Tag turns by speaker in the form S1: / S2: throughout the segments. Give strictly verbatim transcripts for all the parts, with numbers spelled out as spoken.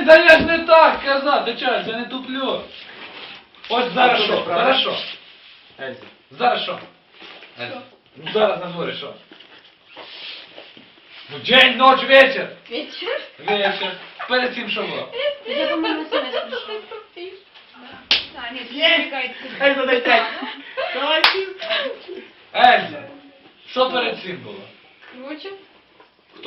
S1: Блін, да я ж не так казав, ти чого, я не туплю. Ось зараз що, зараз що? Ельза, зараз що? Ельза, ну зараз на дворі що? Ну день, ночь, вечір.
S2: Вечер?
S1: Вечір. Перед цим що було?
S2: Я думаю, на совесть пришел. А, нет, не отвлекается.
S3: Ельза, дай пять.
S1: Ельза, що перед цим було?
S2: Круче.
S1: Хто?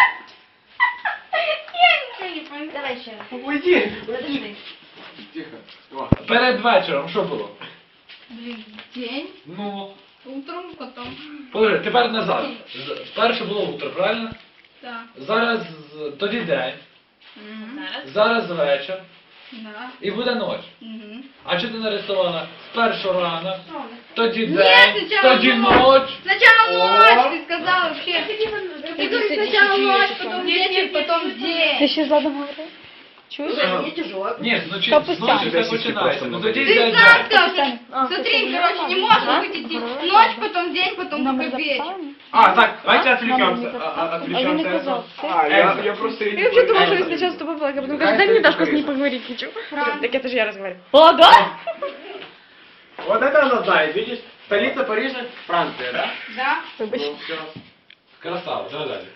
S2: Я ничего не понял. Давай еще раз.
S3: Уйди.
S2: Подожди.
S3: Тихо. О.
S1: Перед вечором що було?
S2: Блин, день,
S1: Ну,
S2: утром, потом.
S1: подожди, тепер назад. З- Перше було утро, правильно?
S2: Да.
S1: Зараз з- тоді день,
S2: Зараз.
S1: зараз вечір
S2: Да.
S1: і буде ніч.
S2: Угу.
S1: А що ти нарисувала? Спершу рано, тоді
S2: Нет,
S1: день,
S2: сначала
S1: тоді
S2: ночь.
S1: ніч.
S2: Сначала
S1: О.
S2: ночь, ты сказала вообще. Ты говоришь сначала ночь, потом вечер, потом день.
S4: Ти ще задом говорив? Чуєш?
S1: Ні, зночі,
S4: Та постійно.
S1: зночі все починається. Ну тоді
S2: Ты
S1: день.
S2: сам
S1: день.
S2: сказал,
S4: А,
S2: смотри,
S4: это
S2: короче, не
S4: не
S2: можешь
S4: важно.
S2: быть идти
S4: Ага.
S2: ночь, потом день, потом
S4: Номер
S2: только вечер.
S4: записали?
S3: А, так, давайте
S4: Номер
S3: отвлекемся.
S4: не
S3: А-
S4: записали.
S3: а-
S4: А я не
S3: Отвлекемся.
S4: казав.
S3: А, я, я просто...
S4: Я вообще думала, что я
S3: Ельза.
S4: сначала с тобой была, а потом
S1: Какая
S4: кажется, дай мне
S1: стоит
S4: Дашку с ней
S1: Украина?
S4: поговорить хочу.
S2: Правда.
S4: Так это же я разговариваю. О, да?
S3: Вот это она знает, видишь? Столица Парижа, Франция, да?
S2: Да.
S4: Вибач.
S3: Ну, все.
S1: Красава, давай далі.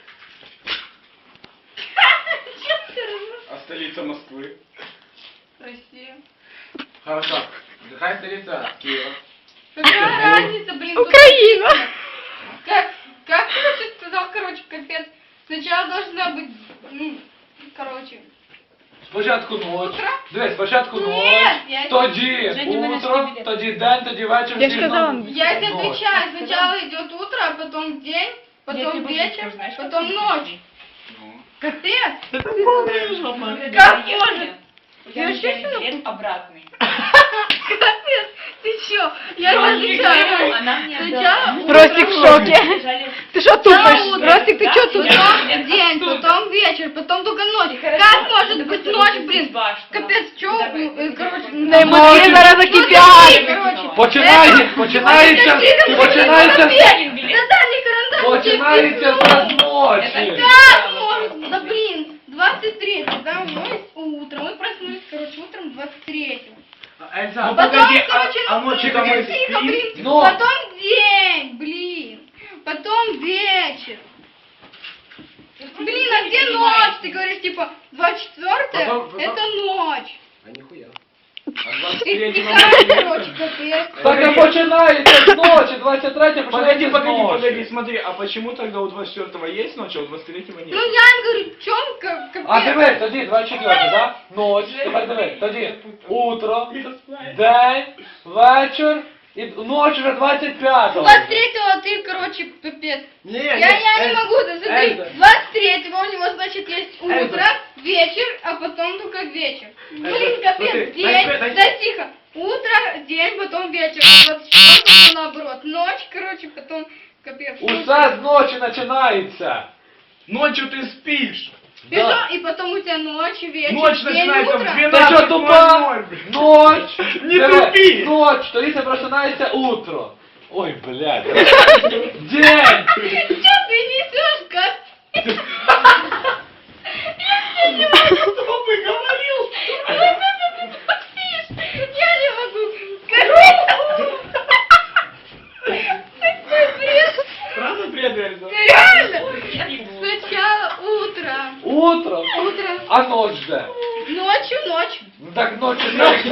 S2: Чё ты размышляешь?
S3: А столица Москвы?
S2: Россия.
S3: Хорошо. Какая столица Киева?
S2: Какая разница, блин? тут-
S4: Украина.
S2: Как, как ты сказал, короче, капец. Сначала должна быть, ну, короче.
S1: Спочатку ніч.
S2: Утро?
S1: Дивись, спочатку
S2: Ні,
S1: ніч,
S2: я-
S1: тоді
S2: Женя, мене
S1: утро,
S2: скибіде.
S1: тоді день, тоді вечір.
S4: Я ж
S1: всі
S4: казала.
S1: знову
S2: Я тебе
S1: ночь.
S2: отвечаю. Сначала идет утро, а потом день, потом вечер, потом ночь.
S3: Ну.
S2: Капец.
S3: Это полная жопа.
S2: Как может? Я
S5: Я
S2: вообще
S5: билет обратный.
S2: Капец. Ты чё? Я
S5: Я
S2: не
S5: не
S2: отвечаю.
S5: говорю, она мне
S2: Сначала утро,
S4: Ростик в шоке.
S5: Жаль,
S4: Ты что
S2: Сначала
S4: тупишь?
S2: утро,
S4: Ростик, ты
S5: да?
S4: что тупишь?
S2: потом день, потом вечер, потом только ночь. Как может быть ночь, блин? Капец, чё? э, Короче,
S4: Да
S2: ну,
S4: эмоции
S2: смотри,
S4: зараз
S2: смотри,
S4: закипят.
S2: короче.
S1: Починає,
S2: Это-
S1: починається,
S2: Это-
S1: починається,
S2: Наталья Карандаш.
S1: починається з ночі.
S2: Как может? Да блин, двадцать третьего, да, мы утром, мы проснулись, короче, утром двадцать третьего.
S3: Эльза,
S1: Ну,
S2: Потом,
S3: погоди, а,
S2: короче,
S3: а ночью
S2: ну,
S3: мы
S2: тихо,
S3: спим?
S2: блин,
S1: Но-
S2: потом день, блин, потом вечер. Блин, а где ночь? Ты говоришь, типа, двадцать четвёртое,
S3: Потом- потом-
S2: это ночь.
S3: А нихуя. А двадцать
S2: Ты
S3: третьего
S2: стихаешь, короче, капец.
S1: Так і починається з ночі, двадцять третє
S3: Погоди,
S1: починається з
S3: погоди, погоди,
S1: ночі.
S3: смотри, а почему тогда у двадцать четвёртого есть ночь, а у двадцать третьего нет?
S2: Ну я им говорю, в чем капец?
S1: А диви, тоді двадцять четверте, да? Ніч, тепер диви, тоді утро, день, вечір і ніч вже двадцять п'ятого.
S2: двадцать третьего ты, короче, пипец.
S3: Не,
S2: Я, я не
S3: Эльза,
S2: могу, да смотри,
S3: Эльза.
S2: двадцать третьего у него, значит, есть утро,
S3: Эльза.
S2: вечер, а потом только вечер. Блин,
S3: Эльза,
S2: капец,
S3: смотри,
S2: день,
S3: дай- дай-
S2: да тихо, утро, день, потом вечер, а двадцать четвёртого наоборот, ночь, короче, потом капец.
S1: Усе з ночі починається.
S3: Ночью ты спишь.
S2: И
S1: Да.
S2: что? И потом у тебя ночь, вечер,
S3: Ночь
S2: день,
S3: начинается в
S2: утро.
S1: Ти
S3: двенадцать
S1: що тупа?
S3: ноль ноль.
S1: Ноч!
S3: Не
S1: Диви,
S3: тупи!
S1: Ноч, тоді це починається утро. Ой, блядь. День!
S2: Что ты несешь, как?
S3: Кто бы говорил?
S2: Я не могу. Короче. Такой бред.
S3: Правда бред, Эльза?
S2: Реально. Сначала утро.
S1: Утро,
S2: Утро.
S1: а ночь де?
S2: Ночью ночь.
S1: Ну так ночі ночі.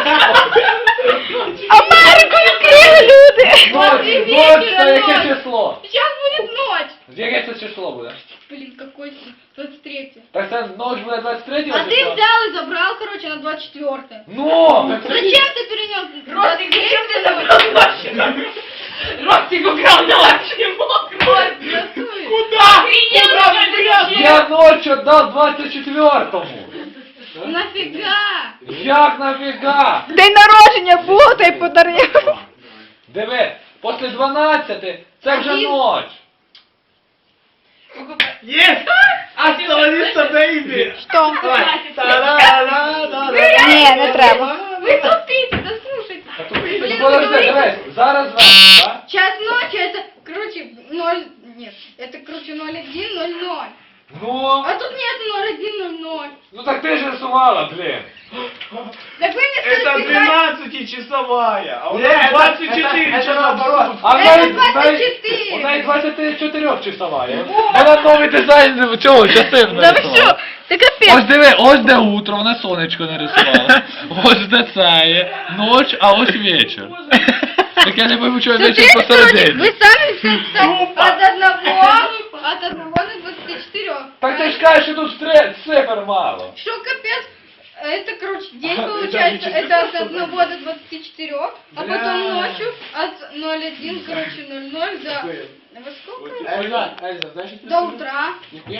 S4: Америку відкрили люди!
S1: Ночь,
S2: і
S1: ночь,
S2: вечір,
S1: це яке
S2: ночь.
S1: число?
S2: Сейчас будет ночь.
S1: Яке це число буде?
S2: Блин, какой двадцать третье.
S1: Так це ночь буде двадцять третього
S2: А ты
S1: числа?
S2: взял и забрал, короче, на двадцать четвёртое.
S1: Ну!
S2: Зачем ты перенес?
S5: Ростик, зачем ты забрал ночь? Ростик украл ночь, не мог.
S3: Куда?
S5: Охренел, что ли,
S1: Я ночь віддав двадцять четвертому.
S2: Нафига?
S1: Як нафіга?
S4: День народження було, та й подарив.
S1: Диви, після дванадцяти це вже
S2: Один.
S1: ночь.
S3: Есть! Остановиться, бейби!
S4: Що?
S3: Давай. Та-да-да-да-да.
S4: Ні, не треба.
S2: Вы тупите, да слушайте.
S1: Ну,
S2: Блин, вы
S1: подожди,
S2: говорите,
S1: дивись, зараз вечір, так?
S2: час ночи это, короче, ноль, нет, это, короче, ноль один, ноль ноль.
S1: Ну,
S2: А тут нет ноль один ноль ноль.
S1: ну так ты же рисувала, блин.
S2: Так вы мне
S3: Это
S2: сказали, писать-
S3: двенадцатичасовая, а у Не, нас это- двадцать это- четыре это часа наоборот. в сутки.
S1: А в
S2: Это
S1: неї-
S2: двадцять
S1: в неї-
S2: чотири.
S1: У неї двадцять чотири часова. Вона новий дизайн цього частини
S4: Да ви що? Ти
S1: Ось
S4: капець.
S1: диви, ось де утро, вона сонечко нарисувала. Ось де це є, ноч, а ось вечір. Так я не пойму, чого вечір
S2: Смотрите, короче,
S1: посередині.
S2: вы сами все кстати, от одного, от одного до двадцати чотирьох.
S1: Так ти ж кажеш, що тут стре- цифр мало.
S2: Что капец? Это, короче, день
S3: Это
S2: получается,
S3: не
S2: это от одного до двадцати четырёх, а
S3: Бля.
S2: потом ночью от ноль один, короче, ноль ноль до... Во сколько?
S3: Эльза, Эльза, знаешь, что
S2: До утра.
S3: Нихуя